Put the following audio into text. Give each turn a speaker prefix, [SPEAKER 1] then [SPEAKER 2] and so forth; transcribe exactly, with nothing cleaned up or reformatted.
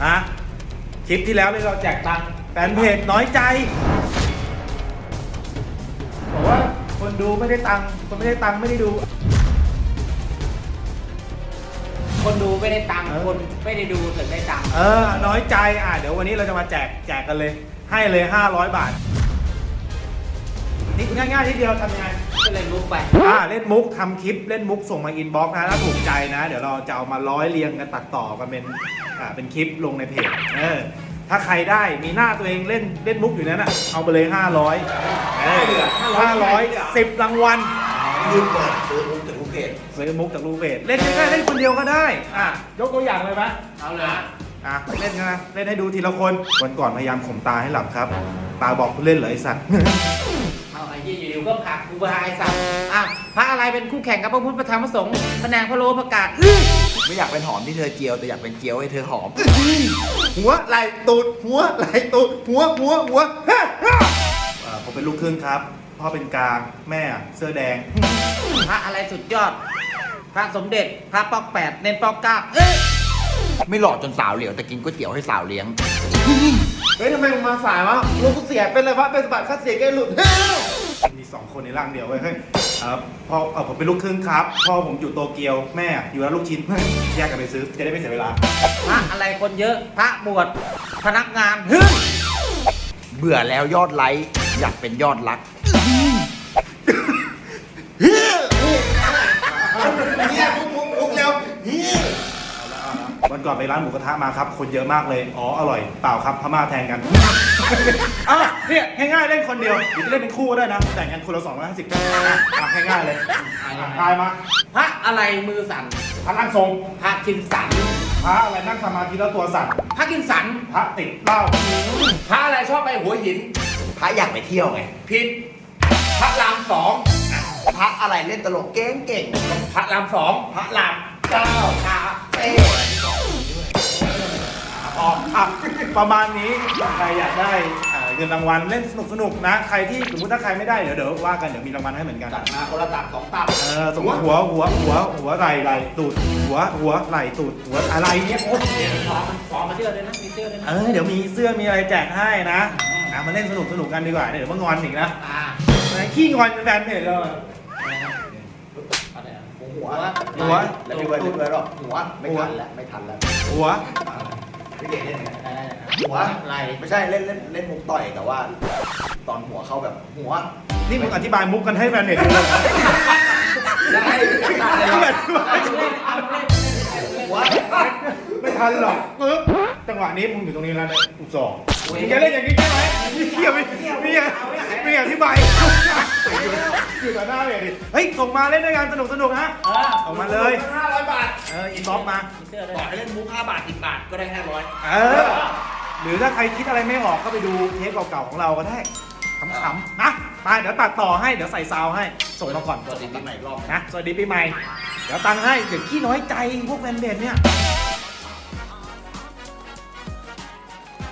[SPEAKER 1] นะคลิปที่แล้วเลยเราแจกตังค์แฟนเพจน้อยใจบอกว่าคนดูไม่ได้ตังค์คนไม่ได้ตังค์ไม่ได้ดู
[SPEAKER 2] คนดูไม่ได้ตังค์คนไม่ได้ดูถึงได้ตังค์
[SPEAKER 1] เออน้อยใจอ่ะเดี๋ยววันนี้เราจะมาแจกแจกกันเลยให้เลยห้าร้อยบาทนี่ง่ายๆทีเดียวทำยังไง
[SPEAKER 2] ก็เลยลุกไป
[SPEAKER 1] อ่าเล่นมุกทำคลิปเล่นมุกส่งมาอินบ็อกซ์นะถ้าถูกใจนะเดี๋ยวเราจะเอามาร้อยเรียงกันตัดต่อกันเป็นอ่าเป็นคลิปลงในเพจเออถ้าใครได้มีหน้าตัวเองเล่นเล่นมุกอยู่นั้นอ่ะเอาไปเลยห้าร้อยเออห้าร้อยสิบรางวัล
[SPEAKER 3] ยืมเปิดซื้อมุกจากลูกเพจ
[SPEAKER 1] ซื้อมุกจากลูกเพจเล่นได้เล่นคนเดียวก็ได้อ่ะยกตัวอย่างเลยไหม
[SPEAKER 2] เอาเลย
[SPEAKER 1] อ่ะเล่นกันนะเล่นให้ดูทีละคนวันก่อนพยายามข่มตาให้หลับครับตาบอกเล่นเหรอไอสัตว์
[SPEAKER 2] เอาไอ้ยี่อยู่ๆก็ผลักกูไปไอ้สัตว์อ่ะพระอะไรเป็นคู่แข่งกับพระพุทธพระธรรมพระสงฆ์พระนางพระโลประกาศ
[SPEAKER 3] ไม่อยากเป็นหอมที่เธอเจียวแต่อยากเป็นเจียวให้เธอหอม
[SPEAKER 1] หัวไหล่ตูดหัวไหล่ตูดหัวหัวหัวผมเป็นลูกครึ่งครับพ่อเป็นกลางแม่เสื้อแดง
[SPEAKER 2] พระอะไรสุดยอดพระสมเด็จพระปอกแปดเน้นปอกเก้าเอ้ย
[SPEAKER 3] ไม่หล่อจนสาวเหลียวแต่กินก๋วยเตี๋ยวให้สาวเลี้ยง
[SPEAKER 1] เฮ้ยทำไมมึงมาสายวะลูกกูเสียเป็นอะไรวะเป็นสะบัดค่าเสียแกหลุดมีสองคนในร่างเดียวเว้ยเฮ้ยพ่อเออผมเป็นลูกครึ่งครับพ่อผมอยู่โตเกียวแม่อยู่ร้านลูกชิ้นแยกกันไปซื้อจะได้ไม่เสียเวลา
[SPEAKER 2] พระอะไรคนเยอะพระบวชพนักงาน
[SPEAKER 3] เบื่อแล้วยอดไลค์อยากเป็นยอดรัก
[SPEAKER 1] เนี่ยมุกมุกมุกเร็ววันก่อนไปร้านหมูกระทะมาครับคนเยอะมากเลยอ๋ออร่อยเปล่าครับพม่าแทงกันอ่ะเนี่ยง่ายๆเล่นคนเดียวหรือจะเล่นเป็นคู่ก็ได้นะแต่งกันคนละสองร้อยห้าสิบอ่ะง่ายๆเลยทายมา
[SPEAKER 2] พระอะไรมือสั่น
[SPEAKER 1] พระนั่งทรง
[SPEAKER 2] พระกินสัน
[SPEAKER 1] พระอะไรนั่งสมาธิแล้วตัวสั่น
[SPEAKER 2] พระกินสัน
[SPEAKER 1] พระติดเหล้า
[SPEAKER 2] พระอะไรชอบไปหัวหิน
[SPEAKER 3] พระอยากไปเที่ยวไง
[SPEAKER 2] ผิดพระรามสอง
[SPEAKER 3] พระอะไรเล่นตลกเก่งเก่ง
[SPEAKER 2] พระรามสองพระรามเก้าคาเฟ่
[SPEAKER 1] อ๋อประมาณนี้ใครอยากได้เงินรางวัลเล่นสนุกสนุกนะใครที่สมมติถ้าใครไม่ได้เดี๋ยวเดี๋ยวว่ากันเดี๋ยวมีรางวัลให้เหมือนกัน
[SPEAKER 3] ตัดมาคนละตัดสองตัด
[SPEAKER 1] เออสมมติหัวหัวหัวหัวไหล่ไหล่ตูดหัวหัวไหล่ตูดหัวอะไรเนี้ยโอ้ย
[SPEAKER 2] ฟอมันฟอมาเสื้อเลยนะมีเสื้อเลยนะ
[SPEAKER 1] เออเดี๋ยวมีเสื้อมีอะไรแจกให้นะอ่ะมาเล่นสนุกสนุกกันดีกว่าเดี๋ยวมางอนอีกนะขี้งอนเป็นแฟนเพจเลย
[SPEAKER 3] หัวหัวแล้วพี่เบิร์ดพี่เบิร์ดหรอหัวไม่ทันแล้วไม่ทันแล้ว
[SPEAKER 1] หัว
[SPEAKER 3] พี่เก่งเล่นไงหัวอะไรไม่ใช่เล่นเล่นเล่นมุกต่อยแต่ว่าตอนหัวเข้าแบบหัว
[SPEAKER 1] นี่มึงอธิบายมุกกันให้แฟนเพจดูเลย
[SPEAKER 3] ได้
[SPEAKER 1] หัวไม่ทันหรอกปึ๊บจังหวะนี้มึงอยู่ตรงนี้แล้วเนี่ยอุศร์มึงจะเล่นอย่างนี้ใช่ไหมนี่เกี่ยวไม่ไม่ไม่อธิบายอยู่ต่อหน้าเลยดิเฮ้ยส่งมาเล่นด้วยกันสนุกสนุกนะส่งมาเลย
[SPEAKER 3] ห้าร้อยบาท
[SPEAKER 1] เอออินบ็อกซ์มา
[SPEAKER 3] บอกให้เล่นมุกห้าบาทสิบบาทก็ได้ห้าร้อย
[SPEAKER 1] เออหรือถ้าใครคิดอะไรไม่ออกก็ไปดูเทปเก่าๆของเราก็ได้ขำๆนะไปเดี๋ยวตัดต่อให้เดี๋ยวใส่ซาวให้ส่งมาก่อน
[SPEAKER 3] สวัสดีปีใหม่รอบ
[SPEAKER 1] นะสวัสดีปีใหม่เดี๋ยวตังค์ให้เดี๋ยวขี้น้อยใจพวกแฟนเพจเนี่ย